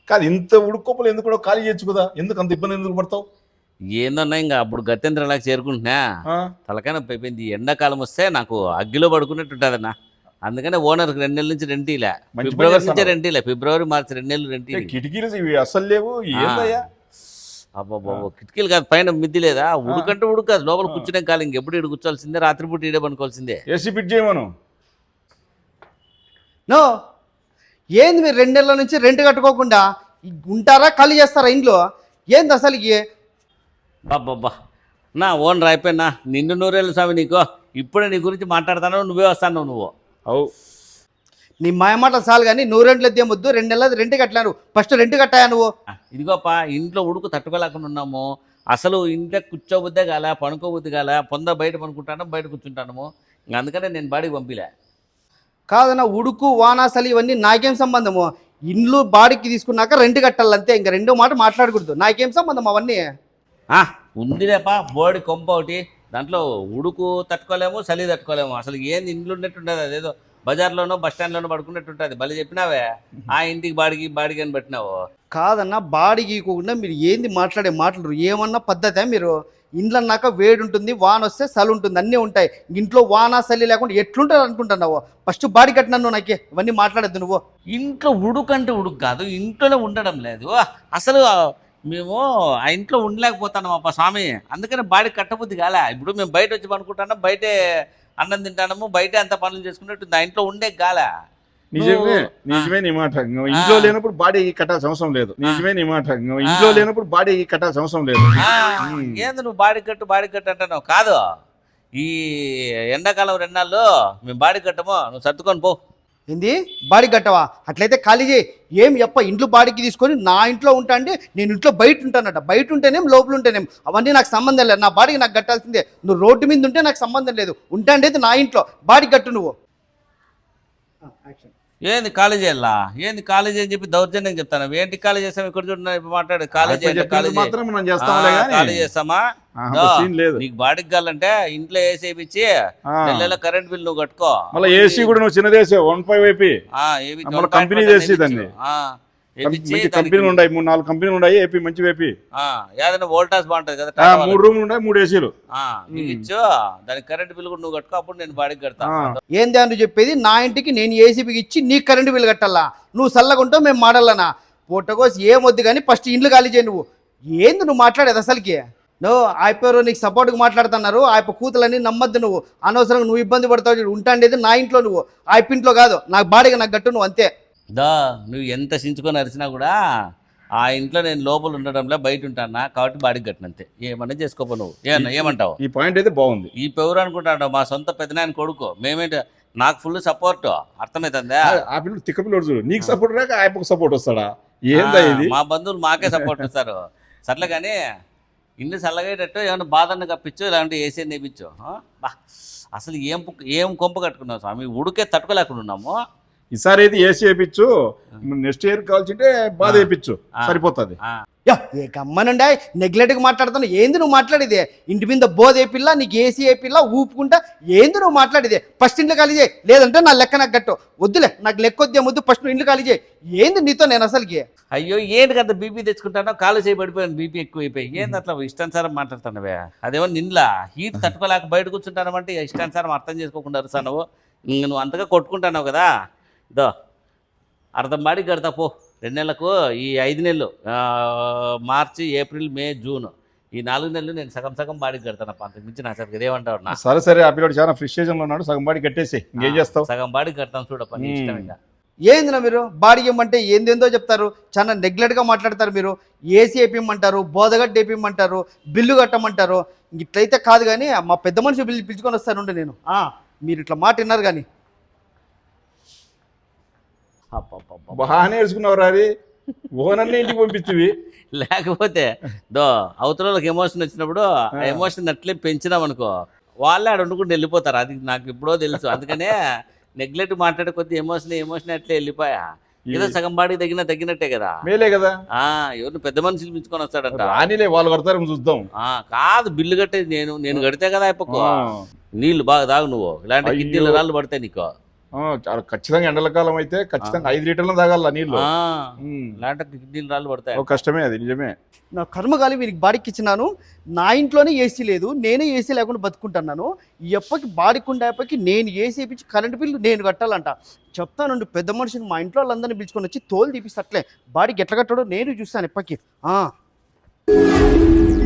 కాదు ఇంత ఉడుకోపలు ఎందుకు కూడా ఖాళీ చేయొచ్చు కదా, ఎందుకు అంత ఇబ్బంది ఎందుకు పడతావు? ఏందన్నా ఇంకా అప్పుడు గత్యంతరంలాగా చేరుకుంటున్నా తలకాయ నొప్పి అయిపోయింది. ఎండాకాలం వస్తే నాకు అగ్గిలో పడుకున్నట్టు ఉంటుందన్నా. అందుకనే ఓనర్కి 2 నెలల నుంచి రెంటీలే, ఫిబ్రవరి నుంచే రెంటీలే, ఫిబ్రవరి మార్చి 2 నెలలు రెంటీ. కిటికీలు ఇవి అస్సలు లేవు, ఏందయ్యా? అబ్బాబా కిటికీలు కాదు, పైన మిద్ది లేదా, ఉడుకంటే ఉడుకు, లోపల కూర్చునే కాలం ఇంకెప్పుడు ఇడు కూర్చోాల్సిందే, రాత్రిపూట ఈడే పనుకోవాల్సిందే. ఏసీ ఫిట్ చేయమను. నో, ఏంది మీరు 2 నెలల నుంచి రెంట్ కట్టుకోకుండా ఉంటారా, ఖాళీ చేస్తారా ఇంట్లో? ఏంది అసలుకి? బాబ్బా నా ఓనర్ అయిపోయినా నిన్ను నూరేళ్ళు స్వామి నీకు. ఇప్పుడే నీ గురించి మాట్లాడతాను, నువ్వే వస్తాను నువ్వు. అవు నీ మాయమాటలు చాలు కానీ, నువ్వు రెంట్లు ఎద్దేమొద్దు. 2 నెలలు రెంట్ కట్టలేను, ఫస్ట్ రెంట్ కట్టాయా నువ్వు? ఇదిగోపా ఇంట్లో ఉడుకు తట్టుకోలేకుండా ఉన్నాము. అసలు ఇంట్లో కూర్చోబుద్దే కాల, పనుకోబుద్ది కాల, బయట పనుకుంటాను, బయట కూర్చుంటాము. ఇంక అందుకనే నేను బాడీకి పంపిలే. కాదన్న, ఉడుకు వాన చలి ఇవన్నీ నాకేం సంబంధము? ఇండ్లు బాడీకి తీసుకున్నాక రెంట్ కట్టాలంతే, ఇంకా రెండో మాట మాట్లాడకూడదు. నాకేం సంబంధం అవన్నీ? ఉందిలేపా బోడి కొంప ఒకటి, దాంట్లో ఉడుకు తట్టుకోలేము, చలి తట్టుకోలేము. అసలు ఏంది ఇండ్లు ఉన్నట్టుండదు, అదేదో బజార్లోనో బస్ స్టాండ్లోనో పడుకున్నట్టుంటుంది. భలే చెప్పినావే, ఆ ఇంటికి బాడికి అని పెట్టినావు. కాదన్న, బాడీకి ఇవ్వకుండా మీరు ఏంది మాట్లాడే మాటలు? ఏమన్నా పద్ధతే మీరు? ఇండ్లు అన్నాక వేడి ఉంటుంది, వాన వస్తే చలి ఉంటుంది, అన్నీ ఉంటాయి. ఇంట్లో వాన చలి లేకుండా ఎట్లుంటుంది అనుకుంటున్నావు? ఫస్ట్ బాడీ కట్టినాను, నాకే ఇవన్నీ మాట్లాడద్దు నువ్వు. ఇంట్లో ఉడుకంటే ఉడుకు కాదు, ఇంట్లోనే ఉండడం లేదు. అసలు మేము ఆ ఇంట్లో ఉండలేకపోతున్నాం అప్ప స్వామి, అందుకని బాడీ కట్టబుద్ధి కాలే. ఇప్పుడు మేము బయట వచ్చి పనుకుంటున్నాం, బయటే అన్నం తింటాము, బయటే అంత పనులు చేసుకున్నట్టు ఆ ఇంట్లో ఉండే కాలే. నిజమే నీ మాట. ఇంట్లో లేనప్పుడు బాడీ కట్టాల్సిన అవసరం లేదు. నిజమే నీ మాట. ఇంట్లో లేనప్పుడు బాడీ కట్టాల్సిన అవసరం లేదు. ఏంది నువ్వు బాడీ కట్టు అంటున్నావు? కాదు, ఈ ఎండాకాలం 2 నెలలు మేము బాడీ కట్టము, నువ్వు సర్దుకొని పో. ఏంది బాడీ కట్టవా? అట్లయితే ఖాళీ చేయి. ఏం ఇంట్లో బాడీకి తీసుకొని నా ఇంట్లో ఉంటా అంటే, నేను ఇంట్లో బయట ఉంటానట. బయట ఉంటేనేం లోపల ఉంటేనేం అవన్నీ నాకు సంబంధం లేదు. నా బాడీకి నాకు కట్టాల్సిందే. నువ్వు రోడ్డు మీద ఉంటే నాకు సంబంధం లేదు. ఉంటాండైతే నా ఇంట్లో బాడీ కట్టు నువ్వు. ఏంది కాలేజీ వెళ్ళా, ఏంది కాలేజీ అని చెప్పి దౌర్జన్యం చెప్తాను. ఏంటి కాలేజ్ చేస్తాం, ఇక్కడ చూడండి ఇప్పుడు మాట్లాడు. కాలేజీ చేస్తామా? నీకు బాడీకి కావాలంటే ఇంట్లో ఏసీ వేయించి నెలలో కరెంట్ బిల్ నువ్వు కట్టుకో. మళ్ళీ ఏసీ కూడా నువ్వు చిన్నదేసే 1.5 కంపెనీ చేసి దాన్ని కంపెనీలు ఉన్నాయి, 3-4 కంపెనీలు ఉన్నాయి. ఏపీ మంచి ఏపీ ఏదైనా వోల్టాస్ బాగుంటది కదా, 3 రూమ్లు ఉన్నాయి, 3 ఏసీలు ఇచ్చు. దానికి కరెంట్ బిల్ కూడా నువ్వు కట్టుకో, అప్పుడు నేను బాడీకి కడతా. ఏంది అని చెప్పేది? నా ఇంటికి నేను ఏసీబీకి ఇచ్చి నీకు కరెంట్ బిల్ కట్టాలా? నువ్వు చల్లగా ఉంటావు, మేము మాడాలనా? పూటకోసి ఏమొద్దు కానీ ఫస్ట్ ఇండ్లు ఖాళీ చేయి నువ్వు. ఏంది నువ్వు మాట్లాడేది అసలుకి? నువ్వు ఆయపేరు నీకు సపోర్ట్గా మాట్లాడుతున్నారు. ఆయప కూతులని నమ్మద్దు నువ్వు. అనవసరంగా నువ్వు ఇబ్బంది పడతావు. ఉంటాండేది నా ఇంట్లో, నువ్వు ఆయపింట్లో కాదు. నాకు బాడీగా నాకు గట్టు నువ్వు, అంతే. నువ్వు ఎంత సించుకొని అరిచినా కూడా ఆ ఇంట్లో నేను లోపల ఉండడంలో బయట ఉంటానా, కాబట్టి బాడీకి కట్టినంతే. ఏమన్నా చేసుకోపో నువ్వు. ఏమంటావు? ఈ పాయింట్ అయితే బాగుంది. ఈ పెవరు అనుకుంటాడు మా సొంత పెద్దనాయన కొడుకు. మేమేంటి, నాకు ఫుల్ సపోర్ట్, అర్థమవుతుందా? ఆ పిల్లడు తిక్క పిల్లడు చూడు, నీకు సపోర్ట్ రాక ఆయనకు సపోర్ట్ వస్తాడా? ఏందా ఇది? మా బంధువులు మాకే సపోర్ట్ ఇస్తారు. సర్లే కానీ ఇల్లు చల్లగేటట్టు ఏమన్నా బాధను కప్పించు, ఇలాంటి ఏసీ నేపించు. అసలు ఏం కొంప కట్టుకున్నావు స్వామి, ఉడికే తట్టుకోలేకుండా ఉన్నాము. ఈసారి అయితే ఏసీ వేయించు, నెక్స్ట్ ఇయర్ కావాల్సింటే బాధ వేయించు, సరిపోతుంది. ఏ గమ్మనుండా నెగ్లెక్ట్గా మాట్లాడుతాను. ఏంది నువ్వు మాట్లాడేది? ఇంటి మీద బోధ ఏ పిల్ల, నీకు ఏసీ ఏ పిల్ల ఊపుకుంటా ఏంది నువ్వు మాట్లాడేది? ఫస్ట్ ఇంట్లో ఖాళీ చేయి, లేదంటే నా లెక్క నాకు గట్టు. వద్దులే, నాకు లెక్క వద్దే ముద్దు, ఫస్ట్ నువ్వు ఇంట్లో ఖాళీ చేయి. ఏంది నీతో నేను అసలుకి? అయ్యో ఏంటి కదా బీపీ తెచ్చుకుంటానో, కాలు చేయబడిపోయాను, బీపీ ఎక్కువైపోయి. ఏంది అట్లా ఇష్టానుసారం మాట్లాడుతున్నావే? అదేమో నిన్లా హీట్ తట్టుకోలేక బయట కూర్చుంటానంటే ఇష్టానుసారం అర్థం చేసుకోకుండా అరుస్తావు. నువ్వు అంతగా కొట్టుకుంటున్నావు కదా. అర్థం బాడీ కడతా పో. 2 నెలలకు ఈ 5 నెలలు, మార్చి, ఏప్రిల్, మే, జూన్, ఈ 4 నెలలు నేను సగం బాడీకి కడతాను. అంతకు మించి నా సరికి ఏమంటావు? సరే ఆ పిల్లడు చాలా ఫ్రస్ట్రేషన్లో ఉన్నాడు, సగం బాడీ కట్టేసి ఇంకేం చేస్తావు? సగం బాడీ కడతాను చూడప్ప, నీ ఇష్టం. ఇంకా ఏందినా మీరు బాడీ ఇవ్వమంటే ఏందేందో చెప్తారు, చాలా నెగ్లెక్ట్గా మాట్లాడతారు మీరు. ఏసీ వేపిమ్మంటారు, బోధగడ్డ వేపిమ్మంటారు, బిల్లు కట్టమంటారు. ఇట్లయితే కాదు కానీ మా పెద్ద మనిషి పిలుచుకొని వస్తానుండే నేను. మీరు ఇట్లా మాట విన్నారు కానీ బాగానే వేసుకున్నావు రాది, ఓనర్ని ఇంటికి పంపిస్తుంది. లేకపోతే అవతలకి ఎమోషన్ వచ్చినప్పుడు ఆ ఎమోషన్ అట్లే పెంచినాం అనుకో, వాళ్ళే ఆడ వండుకుంటూ వెళ్ళిపోతారు. అది నాకు ఎప్పుడో తెలుసు. అందుకనే నెగ్లెక్ట్ మాట్లాడే కొద్ది ఎమోషన్ అట్లే వెళ్ళిపోయా. ఏదో సగం బాడీ తగ్గినట్టే కదా, మేలే కదా. ఎవరిని పెద్ద మనుషులు పిలుచుకొని వస్తాడంట. వాళ్ళు కడతారు చూద్దాం. కాదు, బిల్లు కట్టేది నేను కడితే కదా అయిపోకో. నీళ్ళు బాగా తాగు నువ్వు, ఇలాంటి కిడ్నీల రాళ్ళు పడతాయి నీకు. చాలా ఖచ్చితంగా ఎండల కాలం అయితే ఖచ్చితంగా 5 లీటర్లు తాగాల నీళ్ళు. లేదంటే కిడ్నీలు రాళ్ళు పడతాయి. కష్టమే అది, నిజమే. నా కర్మగాలి వీరికి బాడీకి ఇచ్చినాను. నా ఇంట్లోనే ఏసీ లేదు, నేనే ఏసీ లేకుండా బతుకుంటున్నాను. ఎప్పటికి బాడీకి ఉండేపటికి నేను ఏసీ ఇప్పించి కరెంట్ బిల్లు నేను కట్టాలంట. చెప్తానండి పెద్ద మనిషిని, మా ఇంట్లో వాళ్ళందరినీ పిలుచుకొని వచ్చి తోలు తీపిస్తట్లే బాడీకి ఎట్లా కట్టాడో నేను చూస్తాను ఎప్పటికి.